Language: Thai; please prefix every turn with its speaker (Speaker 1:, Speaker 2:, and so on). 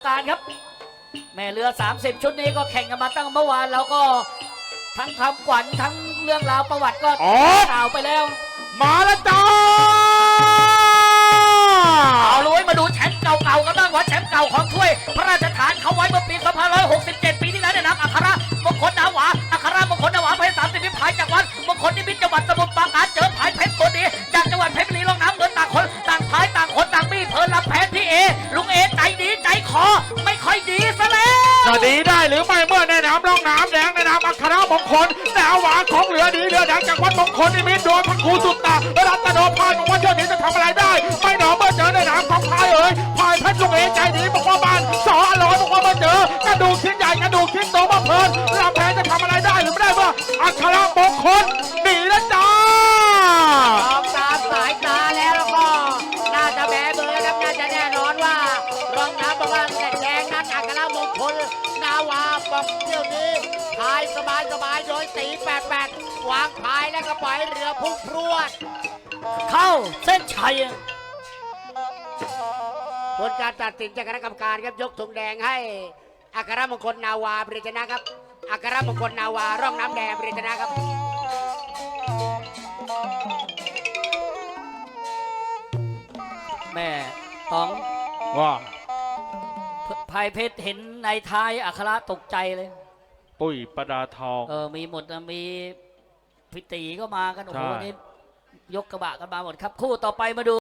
Speaker 1: การครับแม่เรือ30ชุดนี้ก็แข่งกันมาตั้งเมื่อวานแล้วก็ทั้งคำขวัญทั้งเรื่องราวประวัติก็กล่าวไปแล้ว
Speaker 2: มาแล้วจ้า
Speaker 1: เอาลุยมาดูแชมป์เก่าๆกันบ้างว่าแชมป์เก่าของถ้วยพระราชทานเขาไว้เมื่อปี2567ปีที่แล้วเนี่ยนะอัครมงคลนาวาอัครมงคลนาวาเพชร30พิพายจากวัดมงคลนิมิตจังหวัดสมุทรปราการเจอพายเพชรตัวนี้จากจังหวัดเพชรบุรีลงน้ำเงินต่างคนต่างพายต่างคนต่างมีเพลินรับแพ้พี่เอลุงเอใจดีใจคอไม่ค่อยดีซะแล้ว
Speaker 2: จะดีได้หรือไม่เมื่อในน้ำร่องน้ำแดงในน้ำอัครมงคลแนวหวานของเหลือดีเรือแดงจากวัดมงคลนิมิตโดยพระครูสุตตารัตโนพายบอกว่าเที่ยวนี้จะทำอะไรได้ไม่หนอเมื่อเจอในน้ำของพายพายเพชรลุงเอใจดีบอกว่าบ้านสออร่อยบอกว่าเมื่อเจอกระดูกชิ้นใหญ่กระดูกชิ้นโตมาเพลินลำแพนจะทำอะไรได้หรือไม่ได้เมื่ออัครมงคลหนีแล้วจ้าม
Speaker 3: องตามสายตาแล้วก็น่าจะแบเบอร์ครับน่าจะแน่นอนว่ารองน้ำบอกว่าแดงนั้นอัครมงคลนาวาบอกเที่ยวนี้พายสบายโดยตี88วางพายแล้วก็ปล่อยเรือพุ่งพรวด
Speaker 1: เข้าเส้นชัย
Speaker 3: ผลการตัดสินจากคณะกรรมการครับยกธงแดงให้อัครมงคลนาวาปริจนะครับอัครมงคลนาวาร่องน้ำแดงปริจนะครับ
Speaker 1: แม่ต้อง
Speaker 2: ว่า
Speaker 1: พายเพชรเห็นในท้ายอัคระตกใจเลย
Speaker 2: ปุ้ยประดาทอง
Speaker 1: มีหมดนะมีพิตีก็มากันโอ้โหนี่ยกกระบะกันมาหมดครับคู่ต่อไปมาดู